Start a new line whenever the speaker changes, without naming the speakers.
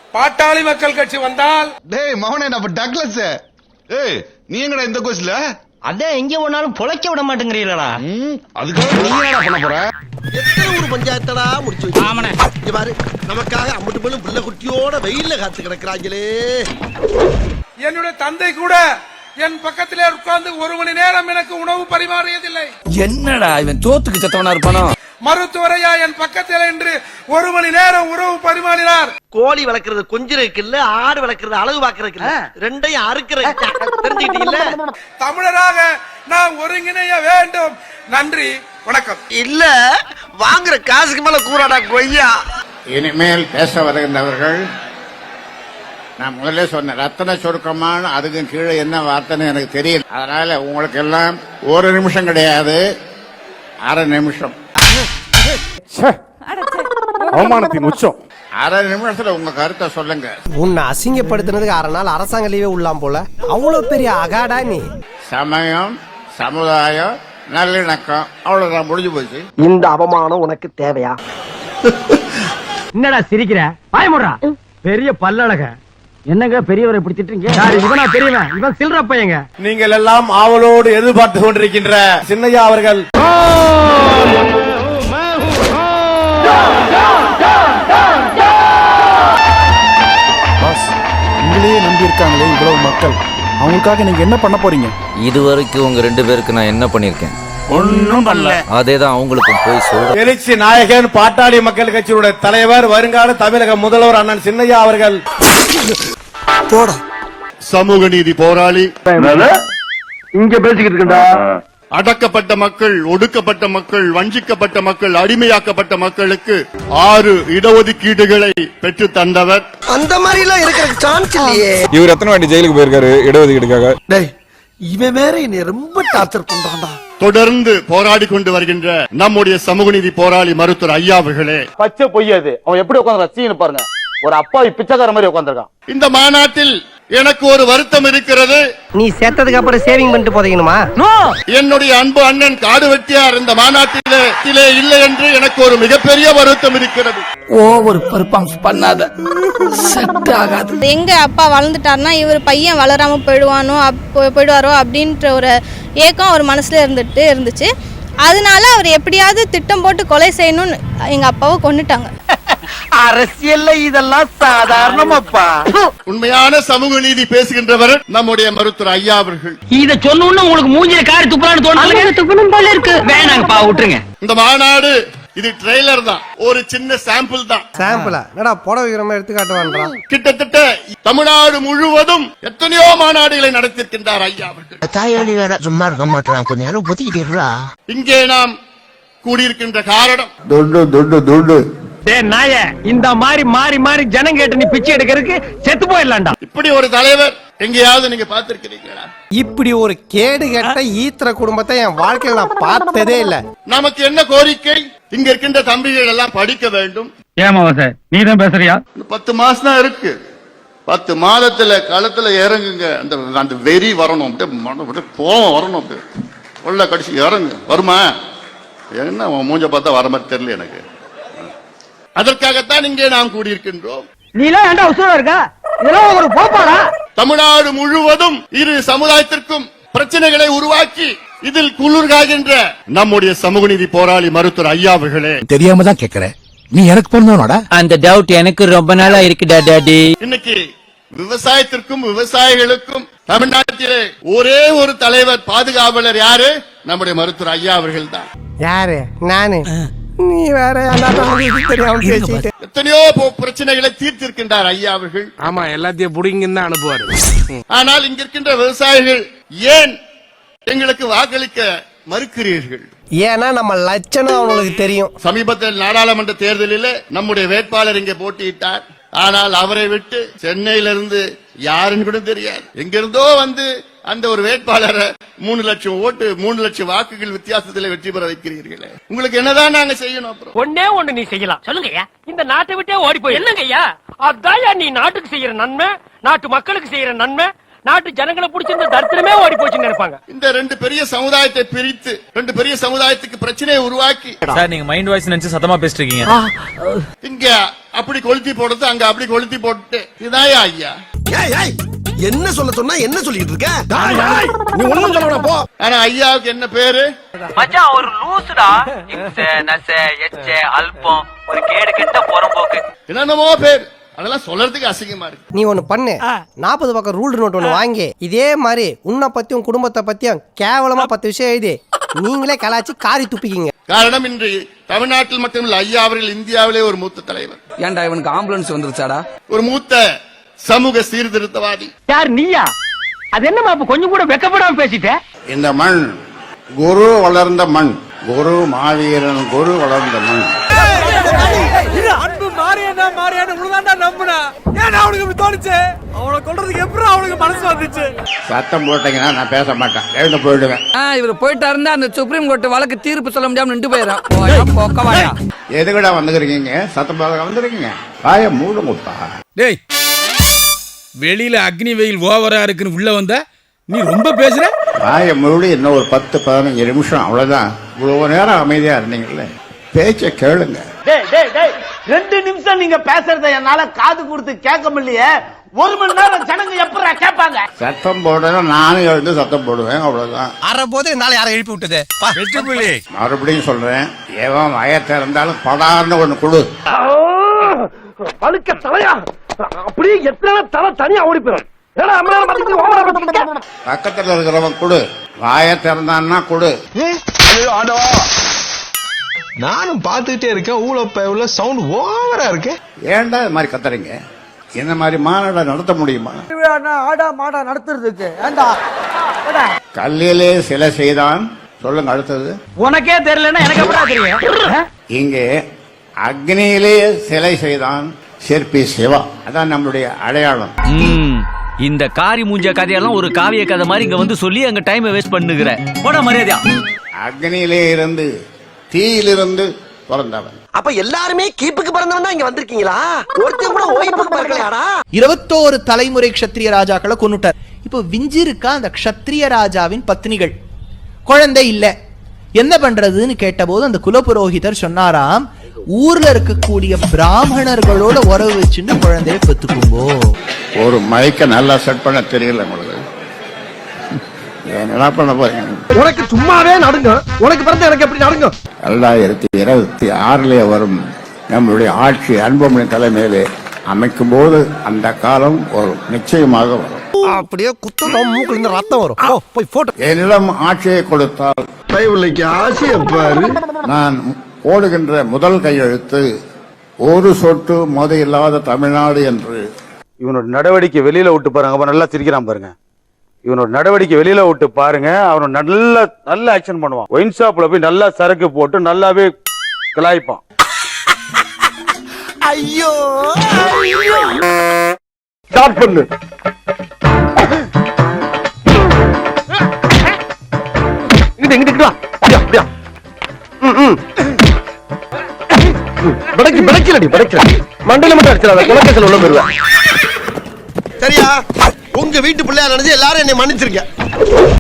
பாட்டாளி மக்கள் கட்சி வந்தால்
டேய் மவனே நம்ம டக்ளஸ் ஏய் நீ எங்கடா இந்த கோஸ்ல
அதே எங்க போனாலும் பொழைக்க விட மாட்டேங்கிறீங்களா
அதுக்காக நீ என்னடா பண்ண போற
எத்தனை ஒரு பஞ்சாயத்தடா முடிச்சு வச்சு ஆமனே இங்க பாரு நமக்காக அம்பட்டு போலும் புள்ள குட்டியோட வெயில்ல காத்து கிடக்குறாங்களே
என்னுடைய தந்தை கூட என் பக்கத்திலே உட்கார்ந்து 1 மணி நேரம் எனக்கு உணவு பரிமாறியதில்லை.
என்னடா இவன் தோத்துக்கு செத்தவனா இருப்பானோ?
மருத்துவரையா என் பக்கத்தில் என்று 1 மணி நேரம் உணவு பரிமாறினார்.
கோழி வளர்க்கறது கொஞ்சிறதுக்கு இல்ல, ஆடு வளர்க்கறது அழகு பாக்குறதுக்கு இல்ல, ரெண்டையும் அறுக்கிறது தெரிஞ்சுக்கிட்டீங்கல்ல.
தமிழராக நாம் ஒருங்கிணைய வேண்டும். நன்றி, வணக்கம்.
இல்ல வாங்குற காசுக்கு மேல கூறாடா கொய்யா.
இனிமேல் பேச வருகின்றவர்கள் நான் முதல்ல சொன்ன ரத்தன சுருக்கமான அதுக்கு கீழே என்ன வார்த்தைன்னு எனக்கு தெரியல. அதனால உங்களுக்கு எல்லாம் 1 நிமிஷம் கிடையாது, 1/2 நிமிஷம்.
அவமானத்தின் உச்சம்.
1/2 நிமிஷத்துல உங்க கருத்தை சொல்லுங்க.
உன்னை அசிங்கப்படுத்தினதுக்கு 1/2 நாள் அரசாங்க லீவே உள்ளாம் போல. அவ்வளவு பெரிய அகாடா நீ.
சமயம், சமுதாயம், நல்லிணக்கம், அவ்வளவுதான், முடிஞ்சு போச்சு.
இந்த அவமானம் உனக்கு தேவையா?
என்னடா சிரிக்கிற? பயமுறா பெரிய பல்லழக. என்னங்க பெரியவரை இப்படி திட்டுறீங்க? இவனா பெரியவன், இவன் சில்ற பையங்க.
நீங்கள் எல்லாம் ஆவலோடு எதிர்பார்த்து கொண்டிருக்கின்ற சின்னையா அவர்கள் உங்களையே நம்பி இருக்காங்களே இவ்வளவு மக்கள், அவங்களுக்காக நீங்க என்ன பண்ண போறீங்க?
இதுவரைக்கும் உங்க 2 பேருக்கு நான் என்ன பண்ணிருக்கேன்?
ஒன்னும் பண்ணல.
அதேதான் அவங்களுக்கும் போய் சொல்றேன்.
எழுச்சி நாயகன் பாட்டாளி மக்கள் கட்சியுடைய தலைவர், வருங்கால தமிழக முதல்வர் அண்ணன் சின்னையா அவர்கள்
போட
சமூக நீதி போராளி
இங்க பேசிக்கிட்டு இருக்கா.
அடக்கப்பட்ட மக்கள், ஒடுக்கப்பட்ட மக்கள், வஞ்சிக்கப்பட்ட மக்கள், அடிமையாக்கப்பட்ட மக்களுக்கு 6 இடஒதுக்கீடுகளை பெற்று தந்தவர்.
அந்த மாதிரி எல்லாம் இருக்கிற சான்ஸ் இல்லையே.
இவர் எத்தனை வாட்டி ஜெயிலுக்கு போயிருக்காரு இடஒதுக்கீடுக்காக?
டேய் இவன் வேற என்னை ரொம்ப டார்ச்சர் பண்றான்டா.
தொடர்ந்து போராடி கொண்டு வருகின்ற நம்முடைய சமூக நீதி போராளி மருத்துவர் ஐயா அவர்களே.
பச்சை பொய்யாது. அவன் எப்படி உட்காந்து ரசிகன்னு பாருங்க, ஒரு அப்பாவி பிச்சைக்கார மாதிரி உட்காந்துருக்கான்.
இந்த மாநாட்டில் எனக்கு ஒரு வருத்தம் இருக்கிறது.
நீ சேர்த்ததுக்கு அப்புறம் சேவிங் பண்ணிட்டு போதீங்கணுமா?
என்னுடைய அன்பு அண்ணன் காடு வெட்டியார் இந்த மாநாட்டிலே இல்லை என்று எனக்கு ஒரு மிகப்பெரிய வருத்தம் இருக்கிறது.
ஓவர் பெர்ஃபார்மன்ஸ் பண்ணாத, செட் ஆகாது.
எங்க அப்பா வளர்ந்துட்டாருன்னா இவர் பையன் வளராம போயிடுவாரோ அப்படின்ற ஒரு ஏக்கம் அவர் மனசுல இருந்துச்சு. அதனால அவர் எப்படியாவது திட்டம் போட்டு கொலை செய்யணும்னு எங்க அப்பாவை கொன்னுட்டாங்க.
அரசியல்ல இதெல்லாம் சாதாரணமாப்பா.
உண்மையான சமூக நீதி பேசுகின்றவர் நம்முடைய மருத்துவர் ஐயா அவர்கள்.
இத சொன்னோன்னு உங்களுக்கு மூஞ்சில காரி துப்பலான்னு தோணுது. துப்பணும் போல இருக்கு. வேணாங்கப்பா, விட்டுருங்க.
இந்த மாநாடு இது ட்ரெய்லர் தான், ஒரு சின்ன சாம்பிள் தான்.
சாம்பிளா? என்னடா போட வைக்கிற மாதிரி எடுத்து காட்டுவான்றான்.
கிட்டத்தட்ட தமிழ்நாடு முழுவதும் எத்தனையோ மாநாடுகளை நடத்திருக்கின்றார் ஐயா அவர்கள்.
தாயாளி வேற சும்மா இருக்க மாட்டான், கொஞ்ச நேரம் ஒதுக்கிட்டா.
இங்கே நாம் கூடியிருக்கின்ற காரணம்
துண்டு துண்டு துண்டு.
நாய இந்த மாதிரி மாறி மாறி ஜனம் கேட்டு நீ பிச்சை எடுக்கிறதுக்கு செத்து போயிடலாம்டா.
இப்படி ஒரு தலைவர் எங்கேயாவது நீங்க பார்த்திருக்கிறீங்களா?
இப்படி ஒரு கேடு கெட்ட ஈத்திர குடும்பத்தை என் வாழ்க்கையில நான் பார்த்ததே இல்ல.
நமக்கு என்ன கோரிக்கை? இங்க இருக்கின்ற தம்பிகள் எல்லாம் படிக்க வேண்டும்.
ஏமாவா சார், நீ தான் பேசுறியா?
10 மாசம் தான் இருக்கு. 10 மாதத்துல களத்துல இறங்குங்க. அந்த வெறி வரணும், கோவம் வரணும், உள்ள கடிச்சு இறங்கு. வருமா? என்ன மூஞ்ச பார்த்தா வர மாதிரி தெரியல எனக்கு. அதற்காகத்தான் இங்கே நாம் கூடியிருக்கின்றோம்.
நீலாம் ஏன்டா உசுரா இருக்க? இதெல்லாம் ஒரு போப்பாடா.
தமிழ்நாடு முழுவதும் இரு சமுதாயத்திற்கும் பிரச்சனைகளை உருவாக்கி இதில் குளிர்காகின்ற நம்முடைய சமூக நீதி போராளி மருத்துவர் ஐயா அவர்களே.
தெரியாம தான் கேக்குறேன், நீ எனக்கு பிறந்தவனோட? அந்த டவுட் எனக்கு ரொம்ப நாளா இருக்குடா டாடி.
இன்னைக்கு விவசாயத்திற்கும் விவசாயிகளுக்கும் தமிழ்நாட்டிலே ஒரே ஒரு தலைவர், பாதுகாவலர் யாரு? நம்முடைய மருத்துவர் ஐயா அவர்கள் தான்.
யாரு? நானு? நீ வேற
எத்தனையோ பிரச்சனைகளை தீர்த்திருக்கின்றார் ஐயா அவர்கள்.
ஆமா, எல்லாத்தையும் புடிங்கன்னு தான் அனுப்புவாரு.
ஆனால் இங்க இருக்கின்ற விவசாயிகள் ஏன் எங்களுக்கு வாக்களிக்க மறுக்கிறீர்கள்?
ஏன்னா நம்ம லட்சணம் அவங்களுக்கு தெரியும்.
சமீபத்தில் நாடாளுமன்ற தேர்தலில் நம்முடைய வேட்பாளர் இங்கே போட்டியிட்டார். ஆனால் அவரை விட்டு சென்னையிலிருந்து யாருன்னு கூட தெரியாது, எங்கிருந்தோ வந்து அந்த ஒரு வேட்பாளரை 3 லட்சம் ஓட்டு 3 லட்சம் வாக்குகள் வித்தியாசத்தில் வெற்றி பெற வைக்கிறீர்களே, உங்களுக்கு என்னதான் நாங்க செய்யணும்? அப்புறம்
ஒண்ணு நீ செய்யலாம். சொல்லுங்கய்யா. இந்த நாட்டை விட்டே ஓடி போய் என்னங்கய்யா? அதான் நீ நாட்டுக்கு செய்யற நன்மை, நாட்டு மக்களுக்கு செய்யற நன்மை, நாட்டு ஜனங்களை பிடிச்சிருந்த தரித்திரமே ஓடி போச்சுன்னு நினைப்பாங்க.
இந்த 2 பெரிய சமுதாயத்தை பிரித்து 2 பெரிய சமுதாயத்துக்கு பிரச்சனையை உருவாக்கி
சார், நீங்க மைண்ட் வாய்ஸ் நினைச்சு சத்தமா பேசிட்டு இருக்கீங்க.
இங்க அப்படி கொளுத்தி போடுறது, அங்க அப்படி கொளுத்தி போட்டு, இதாயா ஐயா?
ஏய் ஏய் என்ன சொல்ல சொன்னா என்ன சொல்லிட்டு இருக்க? நீ ஒண்ணும் சொல்லணும் போ.
ஆனா ஐயாவுக்கு என்ன பேரு?
மச்சான் ஒரு லூசுடா. இம்ச நச எச்ச அல்பம் ஒரு கேடு கெட்ட புறம்போக்கு
என்னென்னமோ பேர், அதெல்லாம் சொல்றதுக்கு அசிங்கமா இருக்கு.
நீ ஒண்ணு பண்ணு, 40 பக்கம் ரூல் நோட் ஒண்ணு வாங்கி இதே மாதிரி உன்னை பத்தியும் குடும்பத்தை பத்தியும் கேவலமா 10 விஷயம் எழுதி நீங்களே கலாச்சி காரி துப்பிக்கிங்க.
காரணம் இன்று தமிழ்நாட்டில் மட்டுமல்ல, ஐயா அவர்கள் இந்தியாவிலே ஒரு மூத்த தலைவர்.
ஏன்டா இவனுக்கு ஆம்புலன்ஸ் வந்துருச்சாடா?
ஒரு மூத்த சமூக சீர்திருத்தவாதி.
யார் நீயா? அது என்னமா அப்ப கொஞ்சம் கூட வெக்கப்படாம பேசிட்ட?
இந்த மண் குரு வளர்ந்த மண், குரு மாவீரன் குரு வளர்ந்த மண்.
அன்பு மாறியா மாறியான்னு உழுதாண்டா நம்புனா ஏன் அவனுக்கு இப்படி தோணுச்சு? அவனை கொல்றதுக்கு எப்படி அவனுக்கு மனசு வந்துச்சு?
சத்தம் போட்டீங்கன்னா நான் பேச மாட்டேன், எழுந்து போயிடுவேன்.
இவர் போயிட்டாருந்தா அந்த சுப்ரீம் கோர்ட் வழக்கு தீர்ப்பு சொல்ல முடியாம நின்று போயிடும்.
எதுக்கடா வந்துருக்கீங்க? சத்தம் போட வந்துருக்கீங்க, வாய மூடு முட்டா.
டேய், வெளியில அக்னி வெயில் ஓவரா இருக்குன்னு உள்ள வந்த நீ ரொம்ப பேசுற.
வாய மூடி இன்னும் ஒரு 10-15 நிமிஷம், அவ்வளவுதான். இவ்வளவு நேரம் அமைதியா இருந்தீங்கல்ல, பேச்ச கேளுங்க.
2 நிமிஷம் நீங்க பேசுறத என்னால காது கொடுத்து கேட்க முடியலையே. 1 மணி நேரம் ஜனங்க எப்படா கேட்பாங்க?
சத்தம் போடணும், நானும் எழுந்து சத்தம் போடுவேன், அவ்வளவுதான்.
அற போது என்னால யாரை எழுப்பி விட்டது?
மறுபடியும் சொல்றேன், எவன் வயத்தை இருந்தாலும் படார்னு ஒண்ணு கொடு.
பழுக்க தலையா அப்படியே எத்தனை தலை தனியா ஓடி போயிடும்.
பக்கத்துல இருக்கிறவன் கொடு, வாய திறந்தான்னா கொடு.
நானும் பாத்துக்கிட்டே இருக்கேன், ஊழ சவுண்ட் ஓவரா இருக்கு.
ஏன்டா இது மாதிரி கத்துறீங்க? என்ன மாதிரி மாநாட நடத்த முடியுமா?
ஆடா மாடா நடத்துறதுக்கு ஏண்டா
கல்லிலே சிலை செய்தான். சொல்லுங்க அடுத்தது.
உனக்கே தெரியலன்னா எனக்கு எப்படா தெரியும்?
இங்கே அக்னியிலே சிலை செய்தான் சிற்பி சிவா. அதான் நம்மளுடைய அடையாளம்.
இந்த காரி மூஞ்ச கதையெல்லாம் ஒரு காவிய கதை மாதிரி இங்க வந்து சொல்லி அங்க டைம் வேஸ்ட் பண்ணுகிற போட மரியாதையா.
அக்னியிலே இருந்து தீயிலிருந்து பிறந்தவன்.
அப்ப எல்லாருமே கீப்புக்கு பிறந்தவன் தான் இங்க வந்திருக்கீங்களா? ஒருத்தன் கூட ஓய்வுக்கு பிறக்கலையாடா?
21 தலைமுறை க்ஷத்ரிய ராஜாக்களை கொன்னுட்டார். இப்போ விஞ்சி இருக்கா அந்த க்ஷத்ரிய ராஜாவின் பத்னிகள். குழந்தை இல்ல, என்ன பண்றதுன்னு கேட்டபோது அந்த குலபுரோகிதர் சொன்னாராம், ஊர்ல இருக்கக்கூடிய பிராமணர்களோட உறவு வச்சுன்னு குழந்தைய பெத்துக்கும்போ.
ஒரு மைக்க நல்லா செட் பண்ண தெரியல உங்களுக்கு. என்ன பண்ண போறீங்க?
உனக்கு சும்மாவே நடுங்க, உனக்கு பிறந்த எனக்கு எப்படி நடுங்க?
2026 வரும் நம்மளுடைய ஆட்சி அன்புமணி தலைமையிலே அமைக்கும் போது அந்த காலம் ஒரு நிச்சயமாக வரும்.
அப்படியே குத்தம் மூக்குல இருந்து ரத்தம் வரும். போய் போட்டோ.
என்னிடம் ஆட்சியை கொடுத்தால்
ஆசையை பாரு.
நான் போடுகின்ற முதல் கையெழுத்து ஒரு சொட்டு மது இல்லாத தமிழ்நாடு என்று.
இவனோட நடவடிக்கை வெளியில விட்டு பாருங்க, அப்ப நல்லா சிரிக்கிறான் பாருங்க. இவனோட நடவடிக்கை வெளியில விட்டு பாருங்க, அவன் நல்ல ஆக்ஷன் பண்ணுவான். ஒயின் ஷாப்ல போய் நல்லா சரக்கு போட்டு நல்லாவே கிளாய்ப்பான்.
ஐயோ
ஸ்டார்ட் பண்ணு. இங்கிட்டு வா. அப்படியா மண்டல மட்டும் அடிச்சிடாத, குலக்கேசல் உள்ள போயிருவேன்.
சரியா? உங்க வீட்டு பிள்ளையா நினைச்சு எல்லாரும் என்னை மன்னிச்சிருங்க.